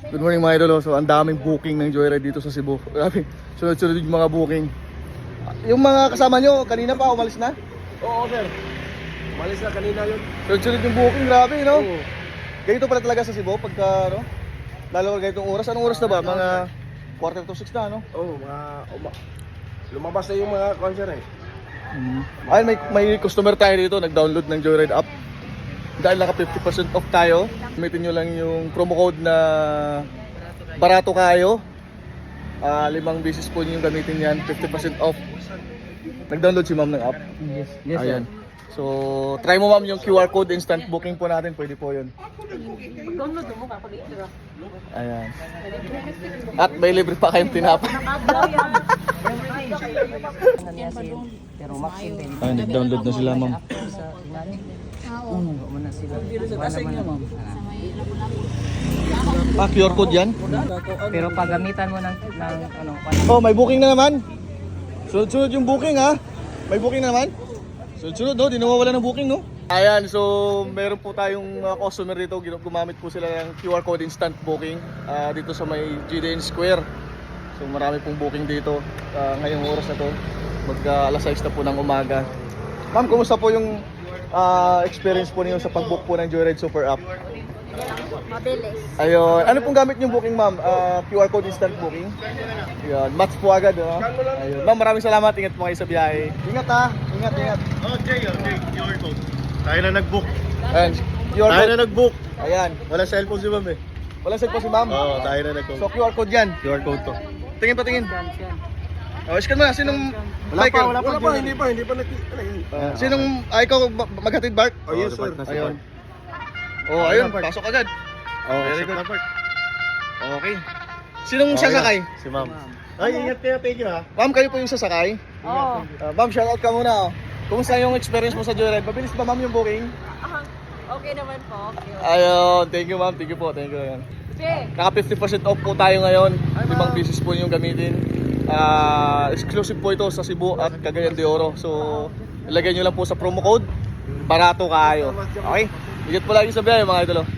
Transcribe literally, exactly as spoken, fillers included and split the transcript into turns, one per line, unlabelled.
Good morning mga idol. So ang daming booking ng Joyride dito sa Cebu. Grabe, sunod-sunod yung mga booking. Yung mga kasama nyo, kanina pa umalis na?
Oo, sir. Umalis na kanina yun.
Sunod-sunod yung booking, grabe no?
Oo.
Ganito pala talaga sa Cebu pagka ano? Lalo ka ganitong oras. Anong oras na ba? Mga quarter to six na, no?
Oo, mga... Uma, lumabas na yung mga concert eh.
Mm. Ayun, may, may customer tayo dito, nag-download ng Joyride app. Dahil naka fifty percent off tayo, gamitin nyo lang yung promo code na barato kayo. Uh, limang beses po nyo gamitin yan, fifty percent off. Nag-download si ma'am ng app.
Yes, yes
Ayan. So, try mo ma'am yung Q R code, instant booking po natin, pwede po yun.
Download mo ka pag i-draw.
Ayan. At may libre pa kayong tinapa.
Pero maximum din.
Ay, nag-download na sila ma'am.
Sa inanin. Oo. Mo na sila. Wala man ma'am.
Ah, Q R code yan?
Pero pag gamitan mo ng ng ano,
Oh, may booking na naman. Sunod-sunod yung booking ha. May booking na naman. Sunod-sunod no, di nawawala ng booking no. Ayan, so meron po tayong uh, customer dito, gumamit po sila ng Q R code instant booking uh, dito sa may G D N Square. So marami pong booking dito uh, ngayong oras na to. Mag uh, alas sais na po ng umaga. Ma'am, kumusta po yung uh, experience po niyo sa pag-book po ng Joyride Super App?
Mabilis.
Ayun, ano pong gamit yung booking ma'am? Uh, Q R code instant booking? Ayun, match po agad no? Ayun. Ma'am, maraming salamat, ingat po kayo sa biyahe. Ingat ha, ingat, ingat.
Oh, Jay, oh, Jay, Q R code. Tayo na nag-book.
Ayan, Q R
Tayo
code.
na nag-book.
Ayan,
Wala cellphone si ma'am eh.
wala set po si ma'am.
Oo, tayo na nag-book.
So Q R code yan.
Q R code to.
Tingin pa, tingin. Oh, scan mo na, sinong...
Wala
Michael?
pa, wala pa, wala pa, hindi pa, hindi pa nag... Ano yun?
Ah, sinong... Ah, ikaw ma- maghatid, Bart?
Oh, yes, sir.
Ayun. Oh, ayun, pasok agad.
Oh,
Very
very
good.
good.
Okay. Sinong sasakay?
Si ma'am. Ay, ingat kayo, thank you ha.
Ma'am, kayo po yung sasakay?
Oo.
Uh, ma'am, shoutout ka muna. Oh. Kumusta yung experience mo sa Joyride? Mabilis ba ma'am yung booking?
Okay naman po. Okay.
Ayun, thank you ma'am, thank you po, thank you. Ayun.
Che,
Naka fifty percent off po tayo ngayon. Limang pieces po yung gamitin. Ah, exclusive po ito sa Cebu at Cagayan de Oro. So, ilagay nyo lang po sa promo code. Barato kayo. Okay? Ingat po lagi sa biyahe mga idolo.